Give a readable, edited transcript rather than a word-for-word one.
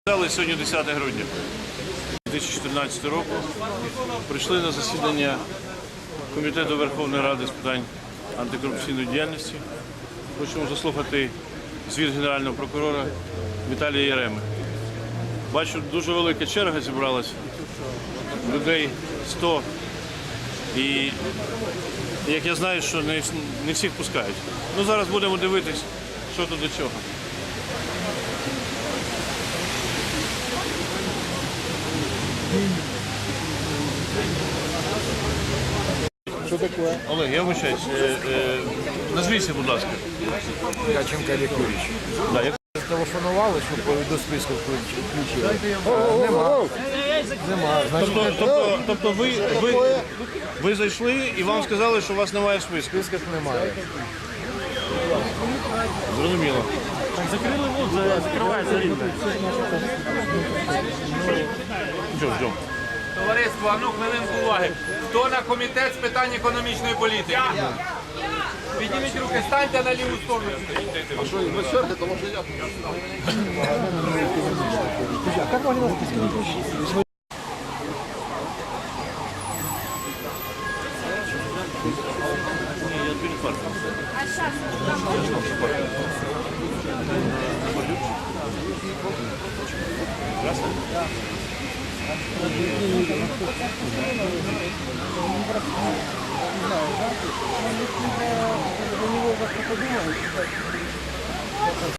Сьогодні 10 грудня 2014 року. Прийшли на засідання Комітету Верховної Ради з питань антикорупційної діяльності. Хочемо заслухати звіт Генерального прокурора Віталія Яреми. Бачу, дуже велика черга зібралась, людей 100. І як я знаю, що не всіх пускають. Ну, зараз будемо дивитись, що тут до чого. Что такое? Олег, я вибачаюсь. Назвіться, будь ласка. Каченко Олег Юрійович. Да, як... Телефонували, щоб до списку включили. Нема. Тобто ви зайшли і вам сказали, що у вас немає списку? Списків немає. Зрозуміло. Закрили вуз, закривається рівно. Ждем. Товариство, а ну хвилинку уваги. Хто на комітет з питань економічної політики? Підніміть руки, станьте на ліву сторону. А що, ви черги, тому що я... А як вони нас списки не включили? Я перед парком. Не знаю, да?